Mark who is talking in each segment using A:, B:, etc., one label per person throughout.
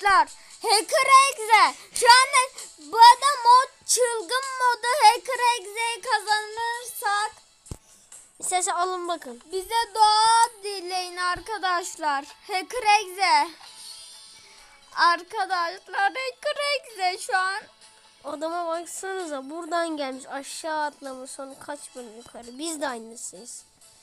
A: arkadaşlar. Hacker Exe. Şu anda bu adam mod çılgın modu Hacker Exe'yi kazanırsak
B: İstersen alın bakın.
A: bize dua dileyin arkadaşlar. Hacker Exe. Arkadaşlar Hacker Exe şu an.
B: Adama baksanıza, buradan gelmiş, aşağı atlamış, sonra kaç bölüm yukarı. Biz de aynısıyız.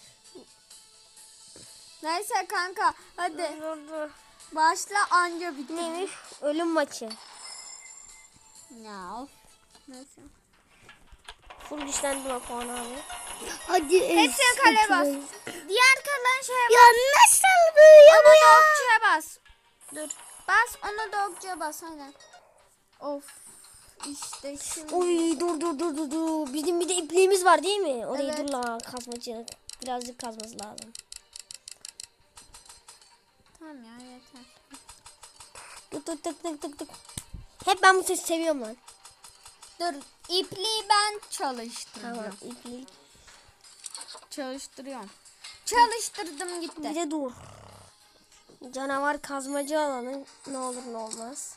A: Neyse kanka hadi
B: Dur.
A: başla anca bitti.
B: Neymiş? Ölüm maçı.
A: Ya of. Neyse.
B: Full güçlendirme puanı abi.
C: Hadi.
A: Hepsine kale bas. Diğer kalan şeye bas.
C: Ya nasıl böyle
A: Onu
C: bu
A: da
C: ya?
A: okçuya bas. Dur. Bas onu da okçuya bas aynen. Of. İşte şimdi.
B: Oy dur. Bizim bir de ipliğimiz var değil mi? Orayı
A: Evet.
B: dur lan, kazmacı. Birazcık kazması lazım.
A: Tamam ya yeter.
B: Tık. Hep ben bu sesi seviyorum lan.
A: Dur ipliği ben çalıştıracağım.
B: Tamam, iplik.
A: Çalıştırıyorum. Çalıştırdım gitti.
B: Bir de dur. Canavar kazmacı alanı ne olur ne olmaz.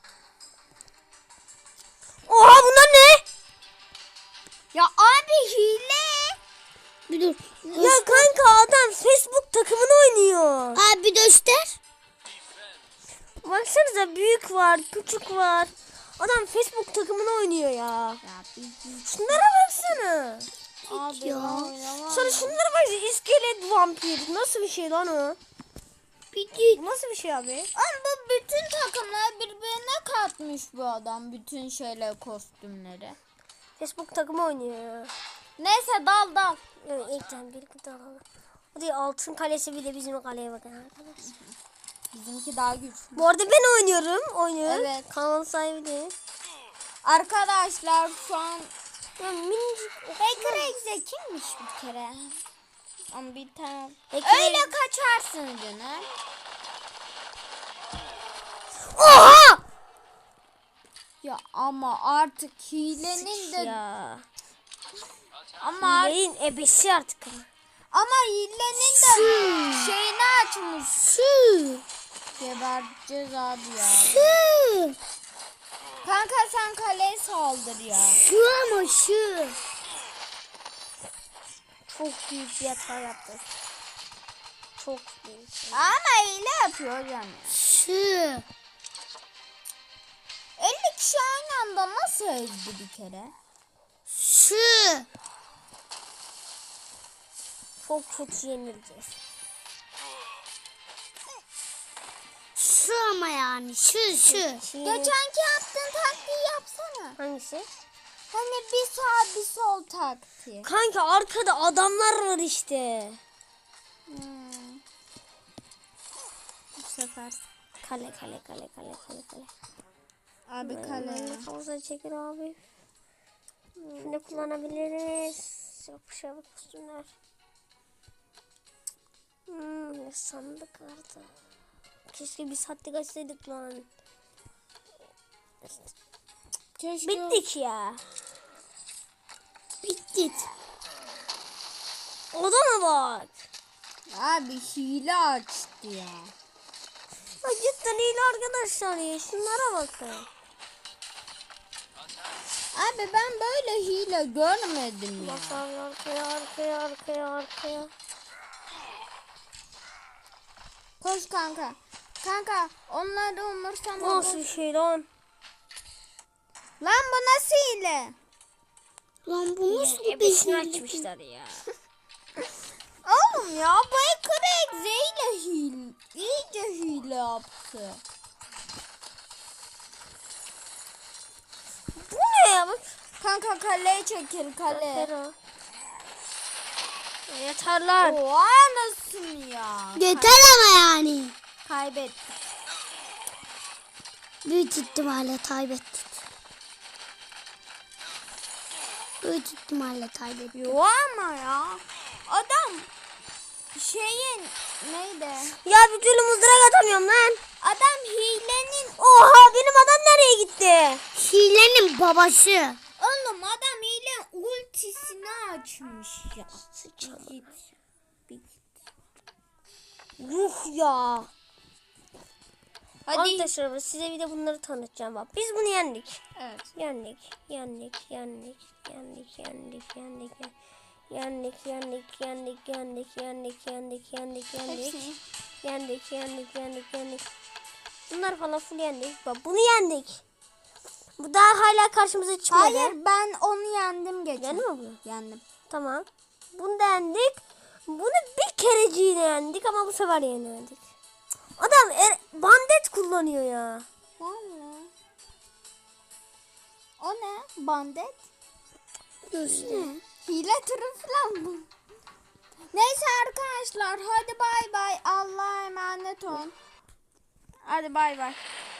B: Oha, bunlar ne?
A: Ya abi hile.
C: Bir dur.
B: Ya kanka, adam Facebook takımını oynuyor.
C: Abi göster.
B: Baksanıza, büyük var, küçük var. Adam Facebook takımını oynuyor ya.
A: Ya bir
B: Şunlara baksana.
A: abi
C: Ya.
A: oynamam.
B: Sonra şunlara baksana, iskelet vampir. Nasıl bir şey lan o?
C: Bir
B: Bu nasıl bir şey abi?
A: Ama bu bütün takımlar birbirine katmış bu adam. Bütün şeyler kostümleri.
B: Facebook takımı oynuyor.
A: Neyse dal.
B: Evet, ekran bir alalım. Hadi altın kalesi, bir de bizim kaleye bakın arkadaşlar.
A: Bizimki daha güçlü.
B: Bu arada ben oynuyorum.
A: Evet.
B: Kanal sahibi de.
A: Arkadaşlar şu an
B: Ya minicik.
A: Hacker Exe kimmiş bir kere? Ama bir tane.
B: Hacker
A: Öyle
B: Exe-
A: kaçarsın canım.
B: Oha!
A: Ya ama artık hilenin de
B: Ya.
A: ama
B: Hileyin ebesi artık.
A: hilenin de şeyini açmış.
C: Şu.
A: Geberteceğiz abi ya.
C: Şu.
A: Kanka sen kaleye saldır ya.
C: Şu ama şu.
B: Çok büyük bir hata yaptık. Çok büyük.
A: Ama hile yapıyor yani.
C: Şu.
A: 50 kişi aynı anda nasıl ezdi bir kere?
C: Şu.
B: Çok kötü yenileceğiz.
C: Şu ama yani. Şu.
A: Geçenki yaptığın taktiği yapsana.
B: Hangisi?
A: Hani bir sağ bir sol taktiği.
B: Kanka, arkada adamlar var işte.
A: Bu sefer.
B: Kale.
A: Abi kale.
B: Fazla çekir abi. Ne kullanabiliriz? Yapışan kostümler. Ne sandık vardı. Keşke bir saatlik açsaydık lan.
A: Keşke
B: Bittik ya.
C: Bitti.
B: Odana bak.
A: Abi hile açtı ya.
B: Ya cidden iyi arkadaşlar ya. Şunlara bakın.
A: Abi ben böyle hile görmedim ya.
B: Bak abi, arkaya.
A: Koş kanka. Kanka onları umursama.
B: Nasıl bir şey lan?
A: Lan bu nasıl hile?
C: Lan bu nasıl bir
B: Ebesini
C: şey?
B: açmışlar ya.
A: Oğlum ya bu Hacker Exe ile iyice hile yaptı.
B: Bu ne ya? Bak.
A: Kanka kaleye çekil kale.
B: Fero. Yeterler.
A: Oha nasıl ya?
C: Yeter ama yani.
A: Kaybettik.
C: Büyük ihtimalle kaybettik. Büyük ihtimalle kaybettik.
A: Yo ama ya. Adam şeyin neydi?
B: Ya bir türlü mızrak atamıyorum lan.
A: Adam hilenin
B: Oha, benim adam nereye gitti?
C: Hilenin babası.
A: oğlum adam hile ultisini açmış ya. Git.
B: Yuh ya.
A: Hadi.
B: Arkadaşlar size bir de bunları tanıtacağım. Bak biz bunu yendik.
A: Evet.
B: Yendik.
A: Hepsini.
B: Bunlar falan full yendik. Bak bunu yendik. Bu daha hala karşımıza çıkmadı.
A: Hayır, ben onu yendim geçen.
B: Yendin mi bunu?
A: Yendim.
B: Tamam. Bunu da yendik. Bunu bir kereciğine yendik ama bu sefer yenemedik. Adam bandet kullanıyor ya.
A: Vallahi. O ne? Bandet? Ne? Hile türü falan mı? Neyse arkadaşlar, hadi bay bay. Allah'a emanet olun. Hadi bay bay.